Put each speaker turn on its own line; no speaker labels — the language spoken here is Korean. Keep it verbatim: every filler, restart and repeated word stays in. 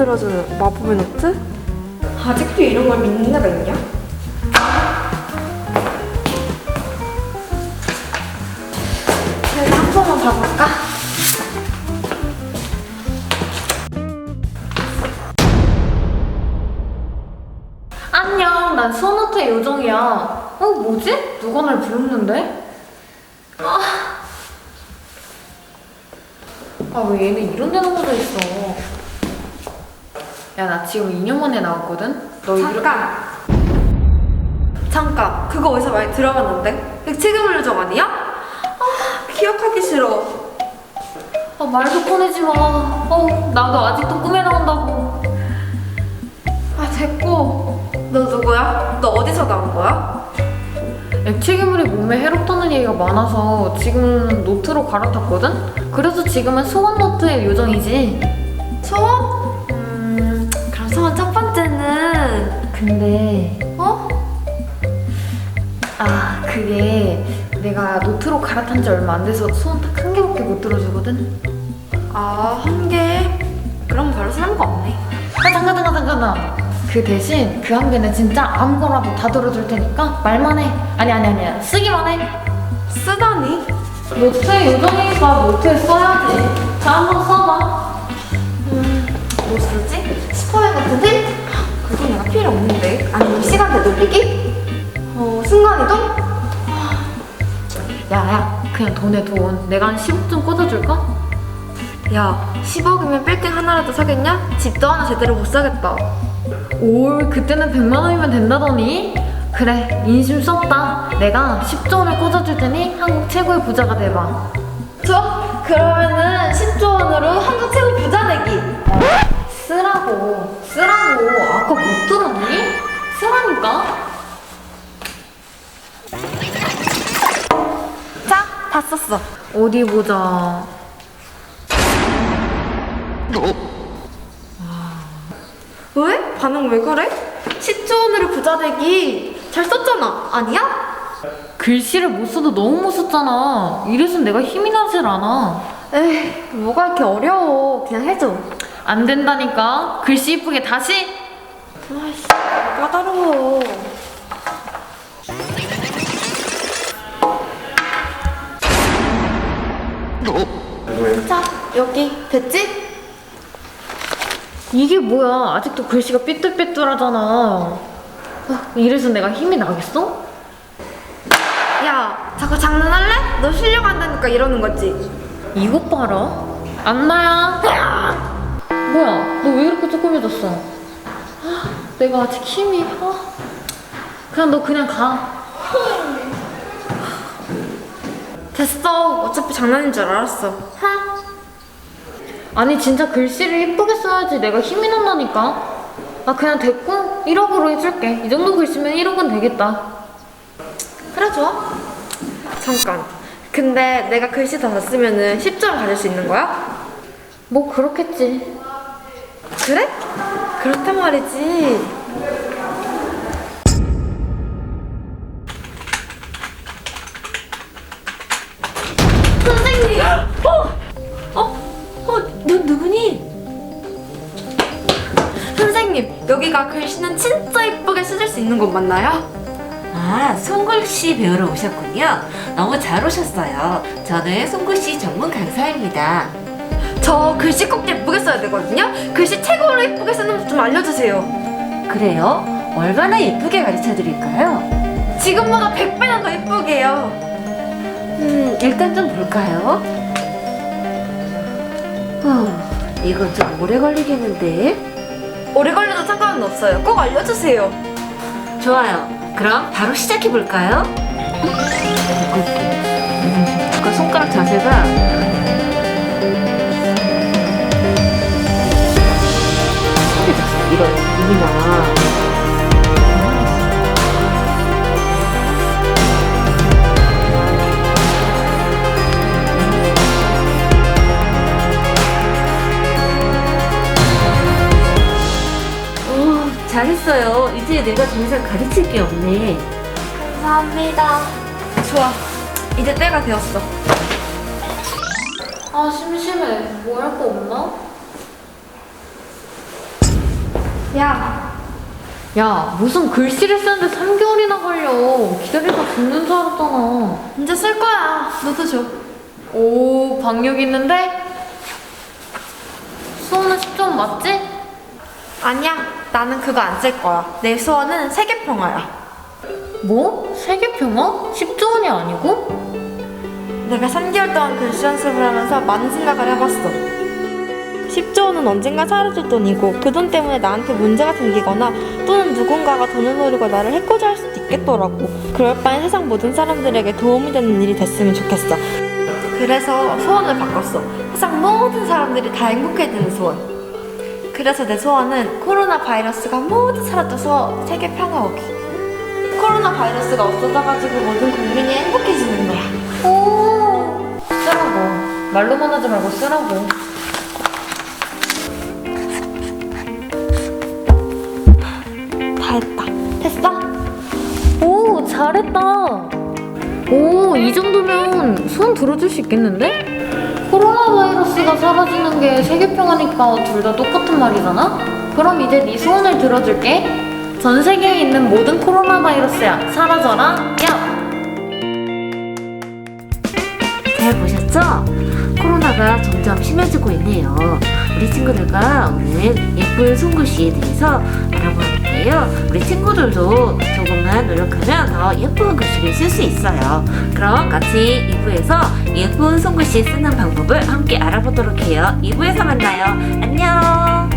만들어주는 마법의 노트?
아직도 이런 걸 믿는 애가 있냐? 내가 한 번만 봐볼까? 안녕, 난 수원호텔 요정이야. 어, 뭐지? 누가 날 부르는데? 아, 아, 왜 얘네 이런 데 넘어져 있어? 야, 나 지금 이 년 만에 나왔거든? 너
잠깐! 잠깐! 그거 어디서 많이 들어봤는데? 백치금 요정 아니야? 아, 기억하기 싫어.
아, 말도 꺼내지 마. 어, 나도 아직도 꿈에 나온다고. 아, 됐고.
너 누구야? 너 어디서 나온 거야?
액체괴물이 몸에 해롭다는 얘기가 많아서 지금 노트로 갈아탔거든? 그래서 지금은 소원 노트의 요정이지.
소원? 음... 그럼 소원 첫 번째는...
근데
어?
아, 그게 내가 노트로 갈아탄 지 얼마 안 돼서 소원 딱 한 개밖에 못 들어주거든?
아, 한 개? 그럼 별로 쓰는 거 없네.
아, 잠깐 잠깐 잠깐 잠깐. 그 대신 그 한 개는 진짜 아무거나도 다 들어줄 테니까 말만 해. 아니 아니 아니야, 쓰기만 해.
쓰다니?
노트에 요정이니까 노트에 써야지. 자, 한번 써봐.
음... 뭐 쓰지? 스포일 같은 팁? 그건 내가 필요 없는데. 아니면 시간 되돌리기? 어... 순간이동?
야야, 그냥 돈에 돈. 내가 한 십억 좀 꽂아줄까?
야, 십억이면 빌딩 하나라도 사겠냐? 집도 하나 제대로 못 사겠다.
올, 그때는 백만 원이면 된다더니? 그래, 인심 썼다. 내가 십조 원을 꽂아줄 테니 한국 최고의 부자가 돼봐.
좋아? 그러면은 십조 원으로 한국 최고 부자 되기.
쓰라고, 쓰라고. 아까 못 들었니? 쓰라니까?
자, 다 썼어.
어디 보자.
왜? 반응 왜 그래? 십조 원으로 부자 되기 잘 썼잖아. 아니야?
글씨를 못 써도 너무 못 썼잖아. 이래서 내가 힘이 나질 않아.
에이, 뭐가 이렇게 어려워. 그냥 해줘.
안 된다니까. 글씨 이쁘게 다시.
아이씨, 까다로워. 자, 여기 됐지?
이게 뭐야? 아직도 글씨가 삐뚤삐뚤하잖아. 아, 이래서 내가 힘이 나겠어?
야, 자꾸 장난할래? 너 실력 안 되니까 이러는 거지.
이것 봐라. 안나야. 뭐야? 너 왜 이렇게 조그매졌어? 아, 내가 아직 힘이. 아. 그냥 너 그냥 가.
됐어. 어차피 장난인 줄 알았어.
하. 아니 진짜 글씨를 이쁘게 써야지 내가 힘이 난다니까. 아, 그냥 됐고 일억으로 해줄게. 이 정도 글씨면 일억은 되겠다.
그래, 좋아. 잠깐. 근데 내가 글씨 다 썼으면은 십조 원 가질 수 있는 거야?
뭐 그렇겠지.
그래? 그렇단 말이지. 선생님! 어? 어? 어? 너 누구니? 선생님, 여기가 글씨는 진짜 이쁘게 쓰실 수 있는 곳 맞나요?
아, 손글씨 배우러 오셨군요. 너무 잘 오셨어요. 저는 손글씨 전문 강사입니다.
저 글씨 꼭 예쁘게 써야 되거든요? 글씨 최고로 예쁘게 쓰는 법 좀 알려주세요.
그래요? 얼마나 예쁘게 가르쳐 드릴까요?
지금보다 백 배나 더 예쁘게요.
음, 일단 좀 볼까요? 후, 이건 좀 오래 걸리겠는데?
오래 걸려도 상관은 없어요. 꼭 알려주세요.
좋아요. 그럼 바로 시작해 볼까요? 그 손가락 자세가 이런 눈이나 오, 잘했어요. 이제 내가 더 이상 가르칠 게 없네.
감사합니다. 좋아. 이제 때가 되었어.
아, 심심해. 뭐 할 거 없나?
야,
야, 무슨 글씨를 쓰는데 삼 개월이나 걸려. 기다리다 죽는 줄 알았잖아.
이제 쓸 거야. 너도 줘.
오, 박력 있는데? 수호는 십 점 맞지?
아니야, 나는 그거 안 쓸 거야. 내 수원은 세계평화야.
뭐? 세계평화? 십 조 원이 아니고?
내가 삼 개월 동안 글씨 연습을 하면서 많은 생각을 해봤어. 십조 원은 언젠가 사라질 돈이고 그 돈 때문에 나한테 문제가 생기거나 또는 누군가가 돈을 노리고 나를 해코지 할 수도 있겠더라고. 그럴 바엔 세상 모든 사람들에게 도움이 되는 일이 됐으면 좋겠어. 그래서 소원을 바꿨어. 세상 모든 사람들이 다 행복해지는 소원. 그래서 내 소원은 코로나 바이러스가 모두 사라져서 세계 평화 오기. 코로나 바이러스가 없어져가지고 모든 국민이 행복해지는 거야.
오, 쓰라고. 말로만 하지 말고 쓰라고.
다 했다. 됐어?
오, 잘했다. 오, 이 정도면 손 들어줄 수 있겠는데? 코로나 바이러스가 사라지는 게 세계평화니까 둘 다 똑같은 말이잖아? 그럼 이제 네 소원을 들어줄게. 전 세계에 있는 모든 코로나 바이러스야, 사라져라, 야!
잘 보셨죠? 코로나가 점점 심해지고 있네요. 우리 친구들과 오늘 예쁜 손글씨에 대해서 알아보았는데요. 우리 친구들도 조금만 노력하면 더 예쁜 글씨를 쓸 수 있어요. 그럼 같이 이 부에서 예쁜 손글씨 쓰는 방법을 함께 알아보도록 해요. 이 부에서 만나요. 안녕!